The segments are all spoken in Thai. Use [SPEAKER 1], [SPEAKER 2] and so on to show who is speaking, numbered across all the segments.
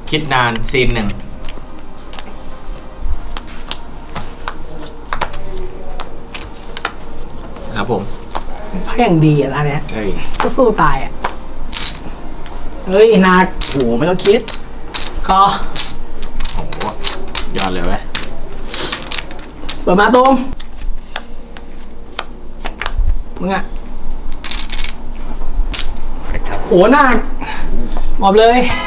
[SPEAKER 1] คิดนานซีนหนึ่งครับผม
[SPEAKER 2] พอย่างดีอ่ะร้านเนี้ย
[SPEAKER 1] เฮ้ย
[SPEAKER 2] ก็สู้ตายอ่ะเฮ้ยหนักโหไม่ต้องคิดคอ
[SPEAKER 1] โอ้โหยอดเลยเว้ย
[SPEAKER 2] เปิดมาตูมมึงอ่ะโหหนักหมอบเลย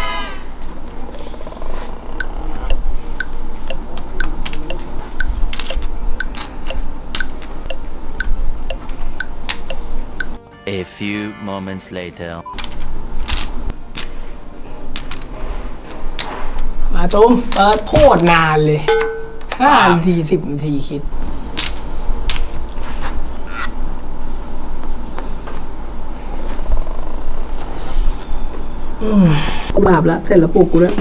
[SPEAKER 3] A few moments later.
[SPEAKER 2] มาตูมเปิดโคตรนานเลย5 นาที10 นาทีคิดกูหลับแล้วเสร็จแล้วปลุกกูด้วย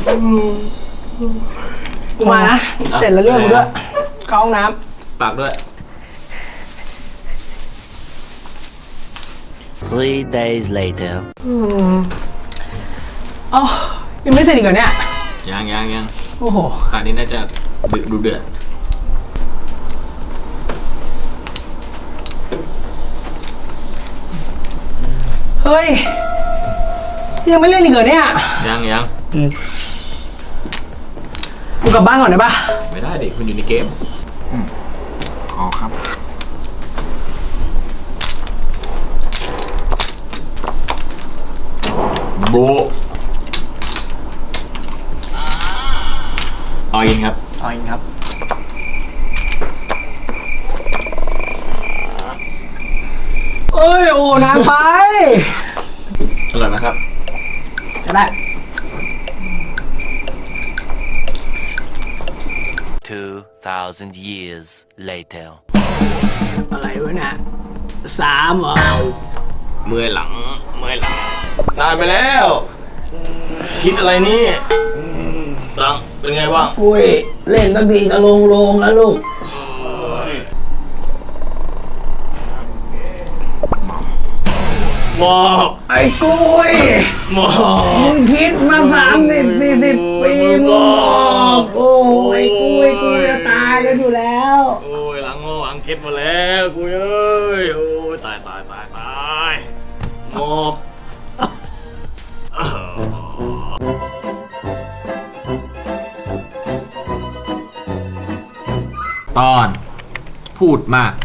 [SPEAKER 2] กูมานะเสร็จแล้วเรื่องกูด้วยเข้าห้องน้ำ
[SPEAKER 1] ฝากด้วย
[SPEAKER 3] 3 days later.
[SPEAKER 2] อ๋อยังไม่เสร็จอีกเหรอเนี่ย
[SPEAKER 1] ยัง
[SPEAKER 2] โอ้โห
[SPEAKER 1] คราวนี้น่าจะดูเดือด
[SPEAKER 2] เฮ้ยยังไม่เล่นอีกเหรอเนี่ย
[SPEAKER 1] ยัง
[SPEAKER 2] กูกลับบ้านก่อนได้ปะ
[SPEAKER 1] ไม่ได้เด็กคุณอยู่ในเกมอ๋อครับโบออินครับ
[SPEAKER 2] เอ้ยโอ้นานไป
[SPEAKER 1] อร่อยไหมครับ
[SPEAKER 2] จะได้
[SPEAKER 3] 2,000 years later.
[SPEAKER 2] อะไรวะเนี่ย3เหรอ
[SPEAKER 1] เมื่อยหลังนานไปแล้วคิดอะไรนี่หลังเป็นไงบ้าง
[SPEAKER 2] อุ้ยเล่นตั้งทีจะลงแล้วลูก
[SPEAKER 1] หมอบ
[SPEAKER 2] ไอ้กุ้ย
[SPEAKER 1] หมอบ
[SPEAKER 2] มึงคิดมา30-40 ปีหมอบโอ้ยกุ้ยจะตายกันอยู่แล้ว
[SPEAKER 1] โอ้ยหลังคิดมาแล้วกูเอ้ยโอ้ยตายหมอบตอนพูดมาก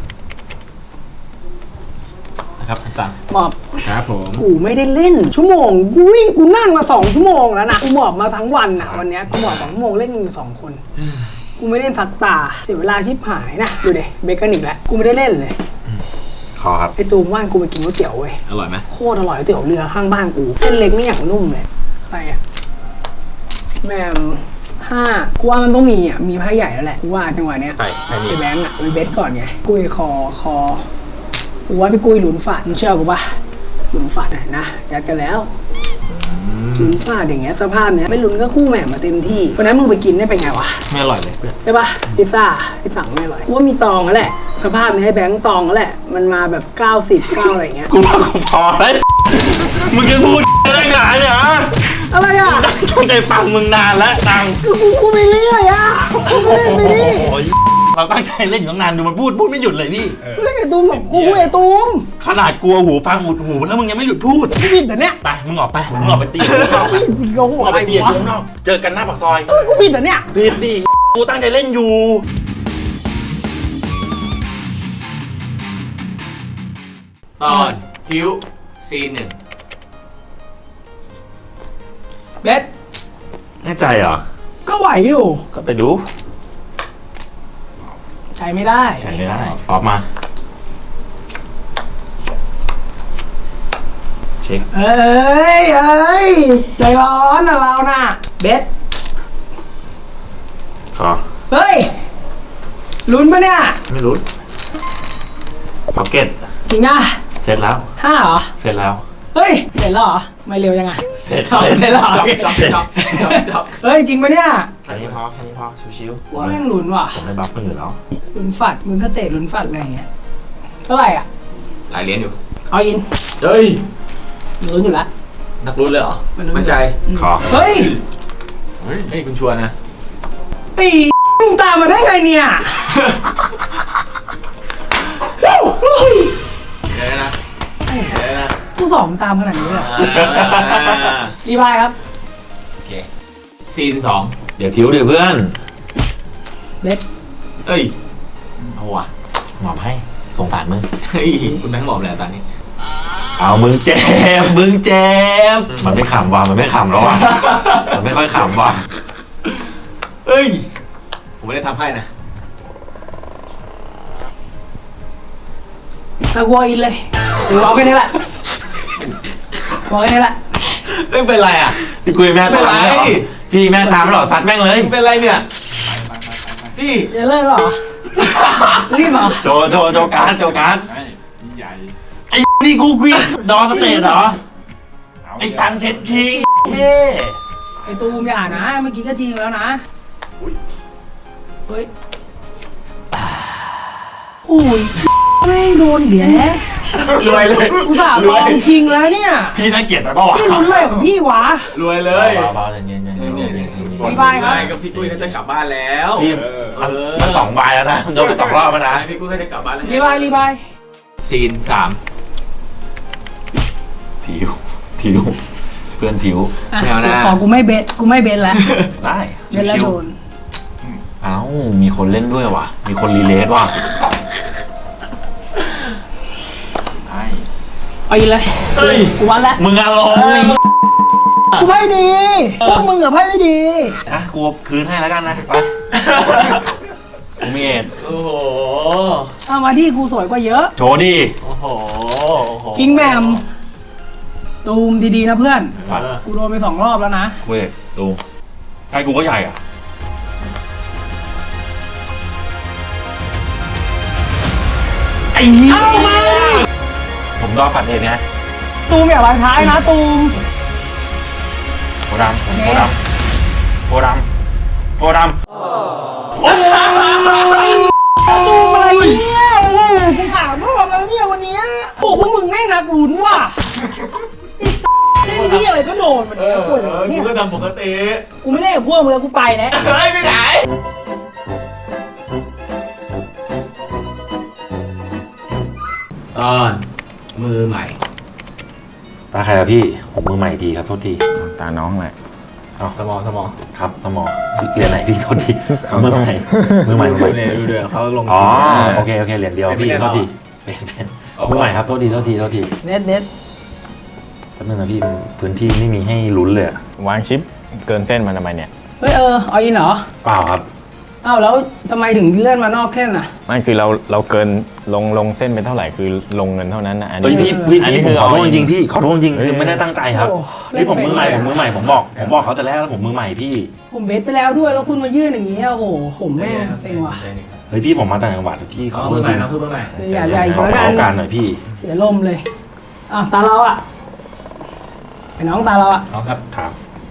[SPEAKER 1] นะครับต่าง
[SPEAKER 2] หมอบ
[SPEAKER 1] ครับผม
[SPEAKER 2] กูไม่ได้เล่นชั่วโมงกูวิ่งกูนั่งมา2 ชั่วโมงแล้วนะกูหมอบมาทั้งวันอ่ะวันนี้กูหมอบ2 ชั่วโมงเล่นกันอยู่2 คนกูไม่เล่นสักตาเสียเวลาชิบหายนะดูดิเบเกอร์นิกแล้วกูไม่ได้เล่นเลย
[SPEAKER 1] ขอครับ
[SPEAKER 2] ไอตูมว่านกูไปกินก๋วยเตี๋ยวเว้ย
[SPEAKER 1] อร่อยไหม
[SPEAKER 2] โคตรอร่อยก๋วยเตี๋ยวเรือข้างบ้านกูเส้นเล็กไม่อย่างนุ่มเลยอะไรอ่ะแม่5กูว่ามันต้องมีอ่ะมีไพ่ใหญ่แล้วแหละกูว่าจังหวะเนี้ย
[SPEAKER 1] ไ
[SPEAKER 2] อ้แบงค์อ่ะไปเบสก่อนไงกุ้ยคอกูว่าพี่กุ้ยหลุนฝาดมึงเชื่อกูปะหลุนฝาดนะยัดกันแล้วหลุนฝาดอย่างเงี้ยสภาพเนี้ยไม่หลุนก็คู่แหม่มาเต็มที่วันนั้นมึงไปกินได้เป็นไงวะ
[SPEAKER 1] ไม่อร่อยเลย
[SPEAKER 2] ใช่ปะพิซซ่าที่สั่งไม่อร่อยกูว่ามีตองแล้วแหละสภาพนี้ให้แบงค์ตองแล้วแหละมันมาแบบ90อะไรเงี้ย
[SPEAKER 1] กูพอแล้วมึงจะพูดอะไรหนาเนี่ย
[SPEAKER 2] อะไรอ่ะ
[SPEAKER 1] ตั้งใจฟังมึงนานแล้วตัง
[SPEAKER 2] กูไม่เรื่อยอ่ะกูเล่นไปดิ
[SPEAKER 1] เราตั้งใจเล่นอยู่ตั้งนานดูมันพูดไม่หยุดเลยพี่
[SPEAKER 2] เล่นไอ้ตูมแบบกูไอ้ตูม
[SPEAKER 1] ขนาดกลัวหูฟังหมุดหูแล้วมึงยังไม่หยุดพูด
[SPEAKER 2] กูผิดแต่เนี้ย
[SPEAKER 1] ไปมึงออกไปตี
[SPEAKER 2] โง่อะไรวะ
[SPEAKER 1] เจอกันหน้าปากซอย
[SPEAKER 2] กูผิดแต่เนี้ย
[SPEAKER 1] ผิดดิกูตั้งใจเล่นอยู่ตอนคิวซีน 1
[SPEAKER 2] เบส
[SPEAKER 1] แน่ใจเหรอ
[SPEAKER 2] ก็ไหวอยู่
[SPEAKER 1] ก็ไปดู
[SPEAKER 2] ใช้ไม่ได้
[SPEAKER 1] ออกมาเช็ค
[SPEAKER 2] เอ้ยใจร้อนนะเราน่ะเบส
[SPEAKER 1] ขอ
[SPEAKER 2] เฮ้ยลุ้นปะเนี่ย
[SPEAKER 1] ไม่ลุ้นพ็อกเก็ต
[SPEAKER 2] จริงอ่ะ
[SPEAKER 1] เสร็จแล้ว
[SPEAKER 2] 5เหรอ
[SPEAKER 1] เสร็จแล้ว
[SPEAKER 2] เฮ้ยเสร็จแล้วเหรอไม่เร็วยังไง
[SPEAKER 1] เสร็จ
[SPEAKER 2] แล้วเฮ้ยจริงปะเนี่ย
[SPEAKER 1] แค่นี้พอชิว
[SPEAKER 2] ๆว่าแม่งลุ้นว่ะ
[SPEAKER 1] ผมได้บัฟมันอยู่แล้ว
[SPEAKER 2] ลุ้นฝัดมึงก็เตะลุ้นฝัดอะไรเงี้ยเท่าไหร่อ่ะ
[SPEAKER 1] หลายเหรียญอยู่
[SPEAKER 2] เอาอิน
[SPEAKER 1] เฮ้ย
[SPEAKER 2] ลุ้นอยู่แล้ว
[SPEAKER 1] นักลุ้นเลยเหรอมั่นใจ
[SPEAKER 2] ขอเฮ้ย
[SPEAKER 1] ฮ้ยคุณชวนนะ
[SPEAKER 2] ไอ้มึงตามมาได้ไงเนี่ย
[SPEAKER 1] เดี๋ยวนะเดี๋ยวนะ
[SPEAKER 2] กูสอบตามขนาดนี้เลยเหรอรีบายครับ
[SPEAKER 1] โอเคซีนสอง
[SPEAKER 4] เดี๋ยวทิวเดี๋ยวเพื่อน
[SPEAKER 2] เบส
[SPEAKER 1] เอ้ยเอาว่ะ
[SPEAKER 4] หมอบให้สงสารมึง
[SPEAKER 1] เฮ้ยคุณแบงค์บอกแล้วตอนนี้
[SPEAKER 4] เอามึงเจ็บมึงเจ็บมันไม่ขำว่ะมันไม่ขำแล้วว่ะมันไม่ค่อยขำว่ะ
[SPEAKER 1] เอ้ยผมไม่ได้ทำให้นะ
[SPEAKER 2] ตะกัวอินเลยกูเอาแค่นี้แหละบอกแค่นี้แหละ
[SPEAKER 1] เอ้ยเป็นไรอ่ะ
[SPEAKER 4] พี่กุยแม่ตามเหรอพี่แม่ตามเหรอซัดแม่งเลย
[SPEAKER 1] เป็นไรเนี่ยพี่
[SPEAKER 2] จะเลิกเหรอ รีบเหรอ
[SPEAKER 4] โจการดไอ้นี่กูกวีดอสเตทเหรอไอ้ตังเซ็ตคิงเฮ้
[SPEAKER 2] ไอตูมอย่านะ เมื่อกี้ก็จริงแล้วนะเฮ้ยโอ้ยไม่โดนอีกแล้ว
[SPEAKER 1] รวยเลย
[SPEAKER 2] อุตส่าห์ลองคิงแล้วเนี่ย
[SPEAKER 4] พี่น่าเกลียดไปปะวะ
[SPEAKER 2] พี่ลุ้นเลยของพี่วะ
[SPEAKER 1] รวยเลย
[SPEAKER 4] เบาๆใจเย็นๆ
[SPEAKER 2] พี่บายครับ
[SPEAKER 1] ก็พี่กุ้ยเขาจะกลับบ้านแล้ว
[SPEAKER 4] พี่มันสองใบแล้วนะโดนไปสองรอบแล้วนะ
[SPEAKER 1] พี่กุ้ยเขาจะกลับบ้านแล้ว
[SPEAKER 2] รีบายรีบาย
[SPEAKER 1] ซีนสาม
[SPEAKER 4] ทิวเพื่อนทิว
[SPEAKER 2] อ่ะขอกูไม่เบสแล้ว
[SPEAKER 4] ได้
[SPEAKER 2] เบสแล้วโดน
[SPEAKER 4] เอ้ามีคนเล่นด้วยว่ะมีคนรีเลทว่ะได้
[SPEAKER 2] เอาอีกเลย
[SPEAKER 1] เฮ้ย
[SPEAKER 2] กูวัดแล้ว
[SPEAKER 4] มึงอารมณ์
[SPEAKER 2] กูไพ่ดีพวกมึงกับไพ่ไม่ดี
[SPEAKER 4] อ่ะกูคืนให้แล้วกันนะไปกูมีเอ็ด
[SPEAKER 1] โอ้โห
[SPEAKER 2] เอามาที่กูสวยกว่าเยอะ
[SPEAKER 4] โชว์ดิ
[SPEAKER 1] โอ้โห
[SPEAKER 2] คิงแมมตูมดีๆนะเพื่อน
[SPEAKER 1] เออ
[SPEAKER 2] กูโดนไป2 รอบแล้วนะ
[SPEAKER 4] เว้ยดูไอ้กูก็ใหญ่อ่ะไอ้เหี้ย
[SPEAKER 2] เอามา
[SPEAKER 4] ผมรอฝันเองไง
[SPEAKER 2] ตูมอย่าวางท้ายนะตูม
[SPEAKER 4] โพดำโพดำโพดำโพดำ
[SPEAKER 2] ตูมอะไรเนี่ยโอ้โหกู3 รอบแล้วเนี่ยวันเนี้ยโอ้พวกมึงแม่งนักลุ้นว่ะไอ้เล่นที่อะไรก็โดนมันเนี่ยปวดหัวเนี่ย
[SPEAKER 1] กูก็ทำปกติ
[SPEAKER 2] กูไม่เล่นกับพวกมึงแล้วกูไปแล้ว
[SPEAKER 1] เฮ้ยไปไหนตอนมือใหม่
[SPEAKER 4] ตาใครอะพี่ผมมือใหม่ทีครับโทษที
[SPEAKER 5] ตาน้องแหละ
[SPEAKER 1] สมอง
[SPEAKER 4] ครับสมองเรียนไหนพี่โทษทีมือใหม่มือใหม่
[SPEAKER 1] ดูเดือเขาลง
[SPEAKER 4] อ๋อโอเคเหรียญเดียวพี่โทษทีเป็นมือใหม่ครับโทษที
[SPEAKER 2] เน็ต
[SPEAKER 4] แป๊บนึงนะพี่พื้นที่ไม่มีให้ลุ้นเลยอะ
[SPEAKER 5] วางชิปเกินเส้นมาทำไมเนี่ย
[SPEAKER 2] เฮ้ยเอาอินเหรอ
[SPEAKER 4] เปล่าครับ
[SPEAKER 2] อ้าวแล้วทำไมถึงเลื่อนมานอกแค่น่ะ
[SPEAKER 5] ไม่คือเราเกินลงเส้นไปเท่าไหร่คือลงเงินเท่านั้นนะอัน
[SPEAKER 4] เฮ้ย
[SPEAKER 5] นี้
[SPEAKER 4] พี่
[SPEAKER 5] อันนี้
[SPEAKER 4] ผม
[SPEAKER 5] คือ
[SPEAKER 4] ขอโทษ
[SPEAKER 5] เอา
[SPEAKER 4] จริงๆพี่ขอโทษจริงๆคือไม่ได้ตั้งใจครับ
[SPEAKER 2] โอ้
[SPEAKER 4] นี่ผมมือใหม่
[SPEAKER 2] เล่นไป
[SPEAKER 4] ผมบอกเขาแต่แรกแล้วผมมือใหม่พี่
[SPEAKER 2] ผมเบสไปแล้วด้วยแล้วคุณมายื่นอย่างนี้โอ้โหผมแม่งเซ็งว่ะ
[SPEAKER 4] เฮ้ยพี่ผมมาต่างจังหวัดพี่ขอ
[SPEAKER 1] เขา
[SPEAKER 4] โท
[SPEAKER 1] มื
[SPEAKER 4] ษ
[SPEAKER 1] อให
[SPEAKER 4] จ
[SPEAKER 1] ม่
[SPEAKER 4] ริง
[SPEAKER 1] นะคือมือใหม่
[SPEAKER 2] ใหญ่
[SPEAKER 4] ขอ
[SPEAKER 2] แล้ว
[SPEAKER 4] โอ
[SPEAKER 2] กัน
[SPEAKER 4] กาสหน่อยพี่
[SPEAKER 2] เสียลมเลยตาเราอ่ะไอ้น้องตาเราอ่ะ
[SPEAKER 1] น้องครับ
[SPEAKER 4] ครับ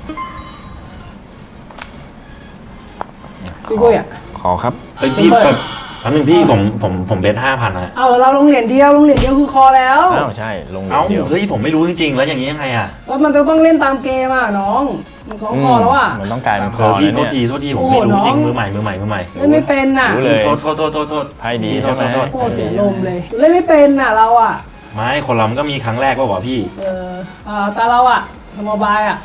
[SPEAKER 2] พี่กุ้ยอ่ะ
[SPEAKER 5] ขอครับ
[SPEAKER 4] เฮ้ยพี่แบบครั้งหนึ่งพี่ผมเบส5,000นะ
[SPEAKER 2] เอาแล้วเราลงเหรียญเดียวคือคอแล้ว
[SPEAKER 5] อ้าวใช่ลง
[SPEAKER 4] เอ้า
[SPEAKER 5] เดียว
[SPEAKER 4] เฮ้ยผมไม่รู้จริงๆแล้วอย่างนี้ยังไงอะ
[SPEAKER 2] แล้วมันจะต้องเล่นตามเกมอ่ะน้องมันของคอแล้วอ่ะ
[SPEAKER 5] มันต้องกลายเป็นค
[SPEAKER 4] เอ
[SPEAKER 5] อ
[SPEAKER 4] อพี่
[SPEAKER 5] แล้ว
[SPEAKER 4] โท
[SPEAKER 5] เนี่ย
[SPEAKER 4] ษทีผมไม่รู้จริง
[SPEAKER 2] โอ้โหน้อง
[SPEAKER 4] มือใหม่
[SPEAKER 2] เล่นไม่เป็นน่ะ
[SPEAKER 5] รู้เลย
[SPEAKER 4] โทษ
[SPEAKER 5] ไพ่ดี
[SPEAKER 4] โท
[SPEAKER 5] ใช่
[SPEAKER 4] ษ
[SPEAKER 5] ไหม
[SPEAKER 4] โทษ
[SPEAKER 2] โคตรเสียลมเลยเล่นไม่เป็นน่ะเราอ่ะ
[SPEAKER 4] ไม่คนเรามันก็มีครั้งแรกป่าวะพี่
[SPEAKER 2] ตาเราอ่ะสมบายอ่ะ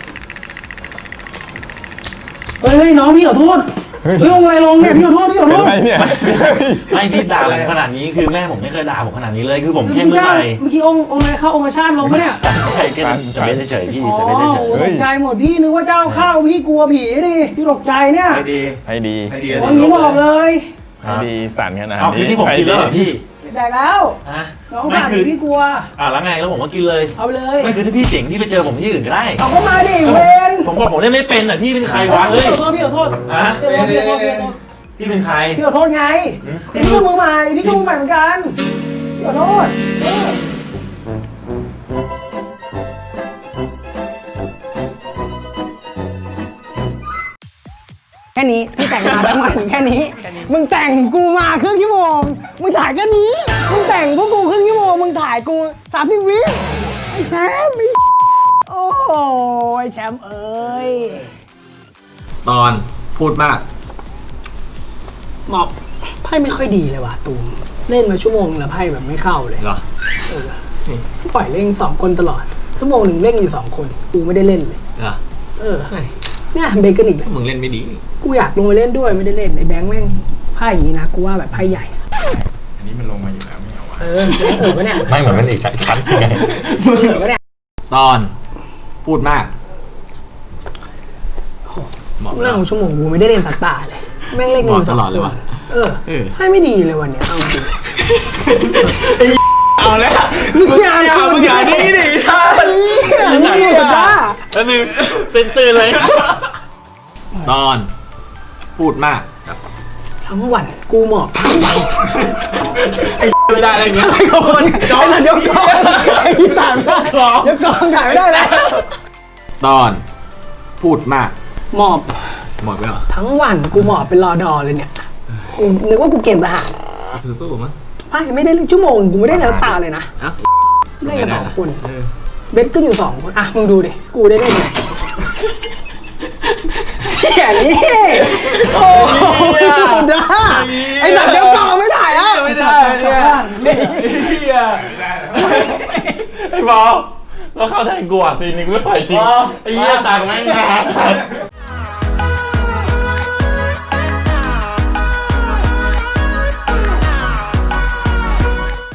[SPEAKER 2] เฮ้ยน้องพี่ขอโทษเฮ้ยลงอะไรลงเนี่ยพี่ขอโทษ
[SPEAKER 5] เป็นไรเนี่ย
[SPEAKER 4] ไม่พี่ด่าผมขนาดนี้คือแม่ผมไม่เคยด่าผมขนาดนี้เลยคือผมแค่มือใหม่
[SPEAKER 2] เมื่อกี้องค์อะไรเข้าองค์ชาติลงปะเนี่ย
[SPEAKER 4] ใช่แค่จะเล่นเฉยๆพี่
[SPEAKER 2] อ๋อ
[SPEAKER 4] จะเล่นเฉย
[SPEAKER 2] ตกใจหมดพี่นึกว่าเจ้าเข้าพี่กลัวผีดิพี่ตกใจเนี่ย
[SPEAKER 1] ให้ดี
[SPEAKER 5] ไพ่ดี
[SPEAKER 1] ให้ดี
[SPEAKER 2] วันนี้บอกเลย
[SPEAKER 4] ๆ
[SPEAKER 5] ไพ่ดีสั่นขนาด
[SPEAKER 4] เอาคือ
[SPEAKER 5] นี้
[SPEAKER 4] ที่ผมกินแล้วเหรอพี่
[SPEAKER 2] แต่แล้ว
[SPEAKER 4] ฮะ
[SPEAKER 2] น้อง
[SPEAKER 4] ไม่
[SPEAKER 2] สั่ง
[SPEAKER 4] คือ
[SPEAKER 2] พี่กลัว
[SPEAKER 4] แล้วไงแล้วผมก็กินเลย
[SPEAKER 2] เอาไปเลย
[SPEAKER 4] ไม่คือถ้าพี่เจ๋งที่ไปเจอผมที่อื่นก็ได้
[SPEAKER 2] เอาเข้ามาดิเวน
[SPEAKER 4] ผมบอกผมเล่นไม่เป็นอ่ะพี่เป็นใครวะเฮ้ย
[SPEAKER 2] พี่ขอโทษ
[SPEAKER 4] ฮะ
[SPEAKER 2] พี่ขอโทษ
[SPEAKER 4] พี่เป็นใคร
[SPEAKER 2] พี่ขอโทษไงพี่ก็มือใหม่พี่ก็มือใหม่เหมือนกันพี่ขอโทษแค่นี้พี่แต่งมาทั้งวันแค่นี้ มึงแต่งกูมาครึ่งชั่วโมงมึงถ่ายแค่นี้มึงแต่งพวกกูครึ่งชั่วโมงมึงถ่ายกู30 วิไอ้แชมป์โอ้โหไอ้แชมป์เอ้ย
[SPEAKER 4] ตอนพูดมาก
[SPEAKER 2] หมอบไพ่ไม่ค่อยดีเลยว่ะตูมเล่นมาชั่วโมงแล้วไพ่แบบไม่เข้าเลย
[SPEAKER 4] เหรอ
[SPEAKER 2] เออปล่อยเล่น2 คนตลอดชั่วโมงหนึ่งเล่นอยู่2 คนกูไม่ได้เล่นเลย
[SPEAKER 4] เหรอ
[SPEAKER 2] เออเนี่ยเบเกอร์อีกแล้ว
[SPEAKER 4] มึงเล่นไม่ดี
[SPEAKER 2] กูอยากลงไปเล่นด้วยไม่ได้เล่นไอ้แบงค์แม่งไพ่อย่างนี้นะกูว่าแบบไพ่ใหญ่
[SPEAKER 5] อันนี้มันลงมาอยู่แล้วไม่เอาวะ
[SPEAKER 2] เออแบงค์ปะเนี่ย
[SPEAKER 5] ไม่เหมือนมันอีกชั้นไง
[SPEAKER 2] ปะเนี่ย
[SPEAKER 4] ตอนพูดมากหมอบ
[SPEAKER 2] กู
[SPEAKER 4] แล้
[SPEAKER 2] นั่
[SPEAKER 4] ว
[SPEAKER 2] งชั่วโมงกูไม่ได้เล่นตาตาเลยแม่งเล่นกันอยู่
[SPEAKER 4] หมอบตลอดเลยว่ะ
[SPEAKER 2] เออไพ่ไม่ดีเลยวันเนี้ยเอาจริง
[SPEAKER 1] เอาแล้ว
[SPEAKER 2] มึงอย่า
[SPEAKER 1] มึงอย่านี่ดิท่า
[SPEAKER 2] มึงอย่าอย่า
[SPEAKER 4] แล้วนึงเส้นตื่นเลย ตอนพูดมากครับ
[SPEAKER 2] ทั้งวันกูหมอบทั้งวัน
[SPEAKER 1] ไม่ได้อะไรเงี้ย
[SPEAKER 2] ไอ้คนจอมยกกองไอ้ที่ถ่ายไม่ได้ยกกองถ่ายไม่ได้แล้ว
[SPEAKER 4] ตอนพูดมาก
[SPEAKER 2] หมอบ
[SPEAKER 4] หมดไปเหรอ
[SPEAKER 2] ทั้งวันกูหมอบเป็นรอดอเลยเนี่ยกูนึกว่ากูเก่งทหาร
[SPEAKER 4] สู้ๆมั้ง
[SPEAKER 2] ไม่ได้เลยชั่วโมงกูไม่ได้แล้วตาเลยนะ
[SPEAKER 4] เอ้า
[SPEAKER 2] เล่นกัน2 คนเบสก็อยู่2 คนอ่ะมึงดูดิกูได้เล่นไงเหี้ยนี่โอ้ยด้าไอ้สัตว์เดี๋ยวกองไม่ถ่ายอ่ะ
[SPEAKER 1] ไม่ได้เนี่ย
[SPEAKER 4] ไอ้บอลแล้วเข้าแทนกูอ่ะซีนนี้กูไม่ปล่อยจริงไอ้เหี้ยต่างแม่งนา